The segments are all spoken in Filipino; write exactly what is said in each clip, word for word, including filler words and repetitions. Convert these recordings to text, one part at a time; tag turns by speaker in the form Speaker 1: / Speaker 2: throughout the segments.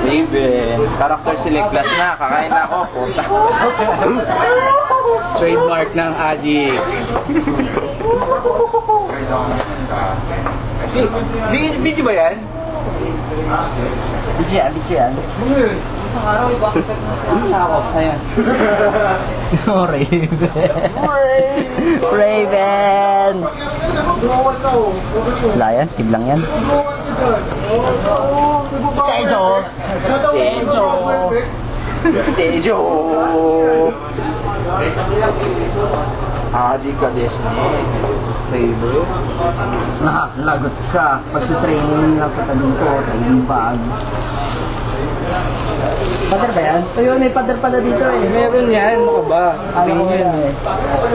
Speaker 1: Raven. Character select class na. Kakain na ako. Puta.
Speaker 2: Trademark ng adik. Video ba yan?
Speaker 3: Bigyan, bigyan. Isang araw, ibakit na ako. Ayan. Oh, Raven. Raven! Wala yan? Tiblang yan? Tejo! Tejo!
Speaker 1: Tejo! Adi ka, Disney. Favorite?
Speaker 3: Nakakalagot ka. Pag-training lang ka dito, training bag. Pader ba yan? So yun, may pader pala dito eh.
Speaker 2: Meron yan. Ano ka ba?
Speaker 3: Alam ko yan eh.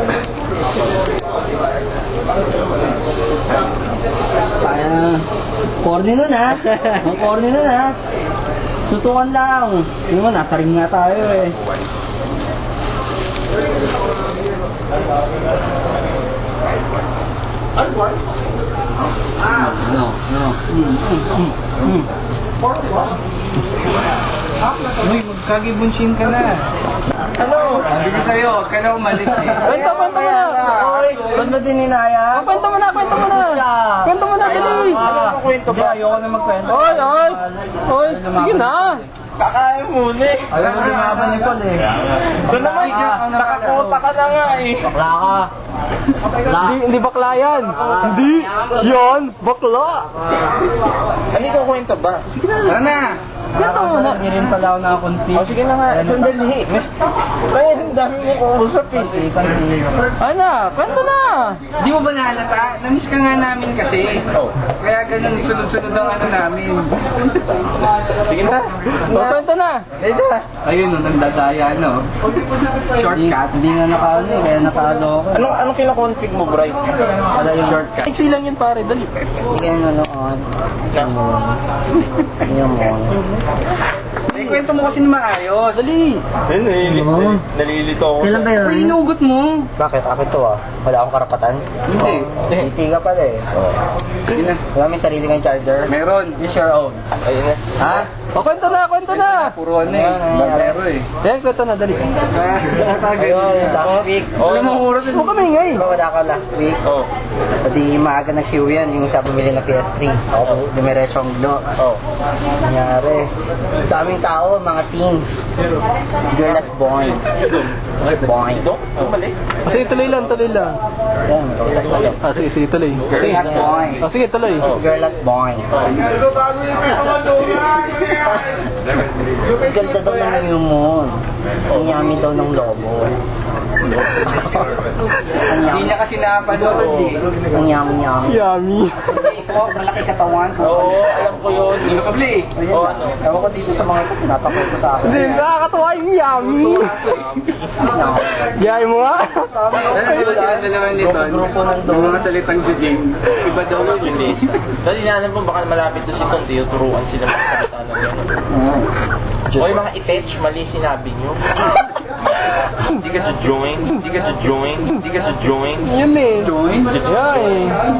Speaker 3: Kaya na. Corny nun ha. Ang corny nun ha. Sutukan lang. Yung mo, nasa ring nga tayo eh. Ano? Ano? Mm, mm, mm, mm.
Speaker 2: Uy, magkagibunshin ka na. Hello! Sabi ko sa'yo, huwag ka na umalis eh.
Speaker 3: Kwento, kwento mo na! Oy, ba't ba din inaya?
Speaker 2: Kwento mo na, kwento mo na! Kwento mo na, dali!
Speaker 3: Kwento ba? Ayoko na magkwento.
Speaker 2: Oy, oy! Oy, sige na!
Speaker 1: Kakain muna eh.
Speaker 3: Ayaw mo lumaban ni Paul eh.
Speaker 2: Doon naman, nakakota ka na nga eh.
Speaker 3: Bakla ka. Bakla.
Speaker 2: Hindi, hindi bakla yan. Hindi, yan, bakla.
Speaker 1: Ano ko kwento ba?
Speaker 2: Tara na!
Speaker 3: Kwento mo na. Hindi rin pala ako nakakunti.
Speaker 1: O sige na nga, sandali. Kaya ang dami mo kuusap eh.
Speaker 2: Ano, kwento na!
Speaker 4: Di mo ba nahalata? Namiss ka nga namin kasi.
Speaker 1: Oh.
Speaker 4: Kaya ganun, sunod-sunod ang ano namin.
Speaker 1: Sige na.
Speaker 2: O, kwento na!
Speaker 1: Ayun na.
Speaker 4: Ayun, no, nandadaya, no? Shortcut.
Speaker 3: Hindi nga nakaano eh, kaya nakaano ako.
Speaker 1: Anong, anong kinakonfig mo, Bray?
Speaker 3: Wala yung shortcut.
Speaker 2: Iksi lang yun pare, dali.
Speaker 3: Hindi kaya nanood. Hindi mo.
Speaker 4: Ay, kwento mo kasi na maayos.
Speaker 2: Dali!
Speaker 1: Ayun, nalilito. Nalilito ako
Speaker 3: Kailan ba yun?
Speaker 4: Ay, inugot mo.
Speaker 3: Bakit? Akin to ah. Wala akong karapatan.
Speaker 4: Hindi.
Speaker 3: Hindi ka pala eh.
Speaker 4: Sige na.
Speaker 3: Wala may sarili kang charger.
Speaker 4: Meron.
Speaker 3: Use your own.
Speaker 1: Ayun na.
Speaker 3: Ha?
Speaker 2: O, kwento na, kwento na!
Speaker 4: Puro ano eh. Barbero eh.
Speaker 2: Yan, kwento na, dali.
Speaker 3: Ayun, last week.
Speaker 1: Oh,
Speaker 4: Alam mo, oras
Speaker 2: Gusto mo kami ngay.
Speaker 3: Diba wala ka last week?
Speaker 1: Oh.
Speaker 3: Pati maaga nag-siw yan, yung sa bumili ng P S three. Ako, dumiretso ang glo.
Speaker 1: Oh.
Speaker 3: Nangyari. Daming tao, mga teens. Girl at born. Born.
Speaker 1: Ito? Mali.
Speaker 2: Sige, tuloy lang, tuloy lang.
Speaker 3: Yan, kausap ko lang.
Speaker 2: Ah, sige, sige, tuloy.
Speaker 4: Girl at boy.
Speaker 2: Ah, sige, tuloy.
Speaker 3: Girl at born. Ang ganda daw ng new moon. Ang yummy daw ng lobo. Ang
Speaker 4: Hindi
Speaker 3: yummy.
Speaker 4: niya kasi napanood eh.
Speaker 3: Ang yummy yummy.
Speaker 2: Yummy.
Speaker 4: Oh, malaki katawan.
Speaker 1: Oo, alam ko yun.
Speaker 4: Ano ka, Blay?
Speaker 3: Oh, ano? Ewan ko dito sa mga tinatakot ko sa akin.
Speaker 2: Hindi, nakakatawa yung yummy. Yay mo nga.
Speaker 4: Ano di ba sila naman nito?
Speaker 3: Grupo ng
Speaker 4: Yung mga salitang Juding. Iba daw yun.
Speaker 1: English. Dahil inaanap mo baka malapit to si Tondi, turuan sila magsalita ng gano'n. O yung mga itech, mali sinabi nyo. Hindi ka to join. Hindi ka to join. Hindi ka to join.
Speaker 2: Yun eh.
Speaker 4: Join?
Speaker 2: Yeah eh.